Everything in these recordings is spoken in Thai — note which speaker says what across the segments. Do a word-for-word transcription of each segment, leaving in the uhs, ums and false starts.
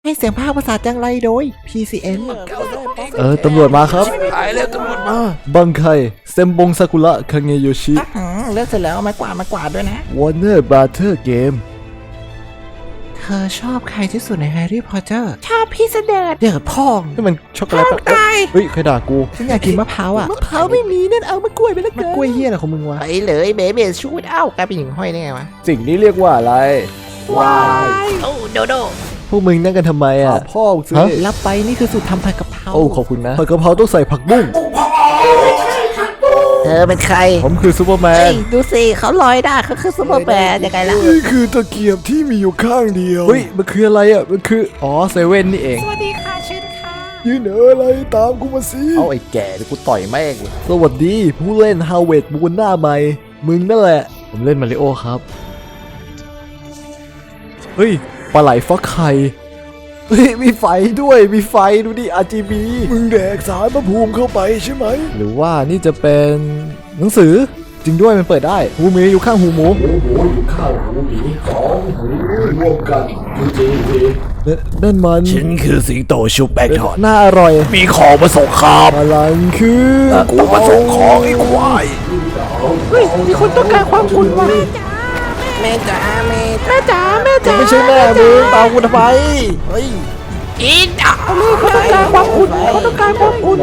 Speaker 1: ให้เสียงภาคภาษาจังไรโดย พี ซี เอ็น
Speaker 2: เออตำรวจมาครับ
Speaker 3: ตายแล้วตำรวจมา
Speaker 2: บังไคเซมบงซากุระคังเงโยชิ
Speaker 1: เลือกเสร็จแล้วเอาไม้กวาดมากวาดด้วยนะ
Speaker 2: วอร์เนอร์บราเธอร์เกม
Speaker 1: เธอชอบใครที่สุดในแฮร์รี่พอตเตอร์ชอบพี่เสด็จเดือดพอง
Speaker 2: นี่มันช็อกโกแลตปะ
Speaker 1: ตาย
Speaker 2: เฮ้ยใครด่ากู
Speaker 1: ฉันอยากกินมะพร้าวอ่ะ
Speaker 2: มะพร้าวไม่มีนั่นเอามะกล้วยไปแล้วกันมะกล้วยเฮียอะไรของมึงวะ
Speaker 1: ไปเลยเบเบชูดเอ้ากลายเป็นหญิงห้อยได้ไงวะ
Speaker 2: สิ่งนี้เรียกว่าอะไร
Speaker 1: วายโอ้โดโด
Speaker 2: พวกมึงนั่งกันทำไมอ่ะพ่อซื้อ
Speaker 1: รับไปนี่คือสูตรทำผัดกะเพรา
Speaker 2: โอ้ขอบคุณนะผัดกะเพราต้องใส่ผักบุ้ง
Speaker 1: เธอเป็นใคร
Speaker 2: ผมคือซูเปอร์แม
Speaker 1: เฮ้
Speaker 2: น
Speaker 1: ยดูสิเขาลอยได้เขาคือซูเปอร์แมนยังไงล่ะ
Speaker 2: นี่คือตะเกียบที่มีอยู่ข้างเดียวเฮ้ยมันคืออะไรอ่ะมันคืออ๋อเซเว่นนี่เอง
Speaker 1: สวัสดีค่ะเชิญค่ะ
Speaker 2: ยืนเอออะไรตามกูมาสิเอาไอ้แก่เดี๋ยวกูต่อยแม่งเลยสวัสดีผู้เล่นฮาวเวิร์ดบูนหน้าใหม่มึงนั่นแหละผมเล่นมาริโอครับเฮ้ยปลาไหลฟักไข่เฮ้ยมีไฟด้วยมีไฟดูดิ อาร์ จี บี มึงแดกสารพระภูมิเข้าไปใช่ไหมหรือว่านี่จะเป็นหนังสือจริงด้วยมันเปิดได้หูหมีอยู่ข้างหูหมูหูหมูอยู่ข้างหูหมีของหูรวมกันจริงๆนั่นมัน
Speaker 3: ฉันคือสิงโตชุบแป้งทอด
Speaker 2: น่าอร่อย
Speaker 3: มีของมาส่งครับ
Speaker 2: พลังคือ
Speaker 3: กูมาส่งของไอ้ควาย
Speaker 1: เฮ้ยมีคนต้องการความคุณว่ะแม่จ๋าแม่แม่จ๋าแม่จ๋า
Speaker 2: ไม่ใช่แม่มึงตามกูทำไมเฮ้ย
Speaker 1: อีจ๋าเขาต้องการความคุณเขาต้องการความคุณ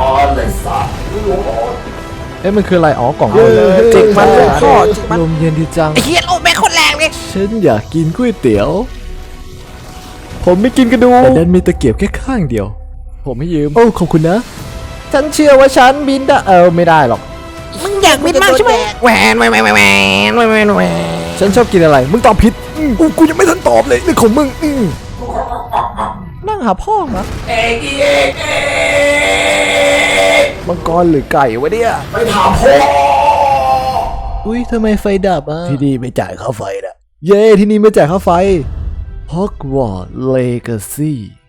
Speaker 2: เอ๊ะมันคืออะไรอ๋อกล่อง
Speaker 1: เออจิกมันเลยพ่อจิกมัน
Speaker 2: ลมเย็นดีจัง
Speaker 1: ไอ้เฮียโอ้แม่คนแรงเลย
Speaker 2: ฉันอยากกินก๋วยเตี๋ยว ผมไม่กินกระดูกแต่ดันมีตะเกียบแค่ข้างเดียว ผมไม่ยืมโอ้ขอบคุณนะ ฉันเชื่อว่าฉันบินได้เออไม่ได้หรอก
Speaker 1: มึงอยากบินมากใช่ไหมแหวนแหวนแหวนแหวนแหวนแหวนแหวน
Speaker 2: ฉันชอบกินอะไรมึงตอบผิดอืมกูกูยังไม่ทันตอบเลยนี่ของมึงอืมนั่งหาพ่อเหรอเอกเอกเอกมังกรหรือไก่วะเนี่ยไม่ถามพ่ออุ้ยทำไมไฟดับอ่ะ
Speaker 3: ที่นี่ไม่จ่ายค่าไฟนะ
Speaker 2: เย้ที่นี่ไม่จ่ายค่าไฟ Hogwarts Legacy